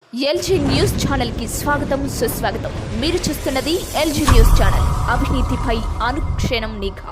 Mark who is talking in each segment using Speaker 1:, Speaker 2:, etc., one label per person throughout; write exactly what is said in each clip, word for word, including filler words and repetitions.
Speaker 1: LG news channel కి స్వాగతం సుస్వాగతం. మీరు చూస్తున్నది ఎల్జీ న్యూస్ ఛానల్. అవినీతిపై అనుక్షణం నిఘా.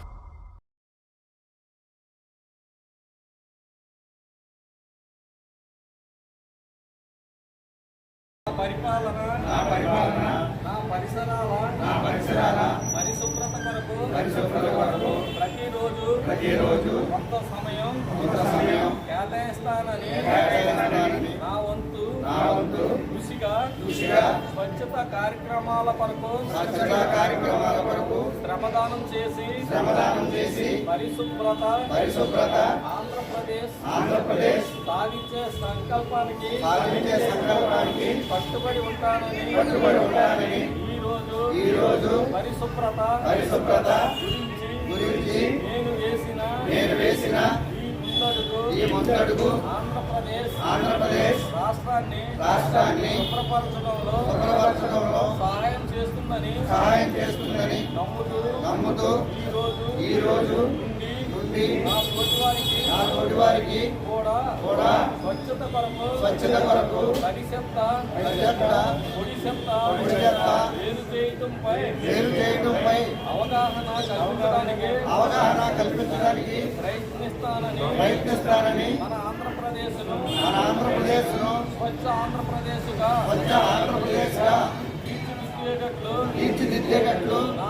Speaker 2: పరిపాలన నా పరిపాలన నా పరిసరాల నా పరిసరాల పరిశుభ్రత కొరకు పరిశుభ్రత కొరకు ప్రతిరోజు ప్రతిరోజు కొంత సమయం కొంత సమయం కేటాయిస్తానని కేటాయిస్తానని నా వంతు నా వంతు కృషిగా కృషిగా స్వచ్ఛత కార్యక్రమాల కొరకు స్వచ్ఛత కార్యక్రమాల కొరకు శ్రమదానం చేసి శ్రమదానం చేసి పరిశుభ్రత పరిశుభ్రత ఆంధ్రప్రదేశ్ ఆంధ్రప్రదేశ్ సాధించే సంకల్పానికి సాధించే సంకల్పానికి కట్టుబడి ఉంటానని కట్టుబడి ఉంటానని ఈ రోజు ఈ రోజు పరిశుభ్రత పరిశుభ్రత గురించి గురించి నేను వేసిన నేను వేసిన ఈ ముందడుగు ఈ ముందడుగు ఆంధ్రప్రదేశ్ ఆంధ్రప్రదేశ్ రాష్ట్రాన్ని రాష్ట్రాన్ని శుభ్రపరచడంలో శుభ్రపరచడంలో సహాయం చేస్తుందని సహాయం చేస్తుందని నమ్ముతూ నమ్ముతూ ఈ రోజు ఈ రోజు నుండి నా తోటివారికి నా తోటివారికి కూడా కూడా స్వచ్ఛత కొరకు స్వచ్ఛత కొరకు తడి చెత్త తడి చెత్త పొడి చెత్త పొడి చెత్త వేరు చేయడంపై వేరు చేయడంపై అవగాహన కల్పించడానికి అవగాహన కల్పించడానికి ప్రయత్నిస్తానని ప్రయత్నిస్తానని మన ఆంధ్రప్రదేశ్ ను మన ఆంధ్రప్రదేశ్ ను స్వచ్ఛ ఆంధ్రప్రదేశ్ గా స్వచ్ఛ ఆంధ్రప్రదేశ్ గా తీర్చిదిద్దేటట్లు తీర్చిదిద్దేటట్లు నా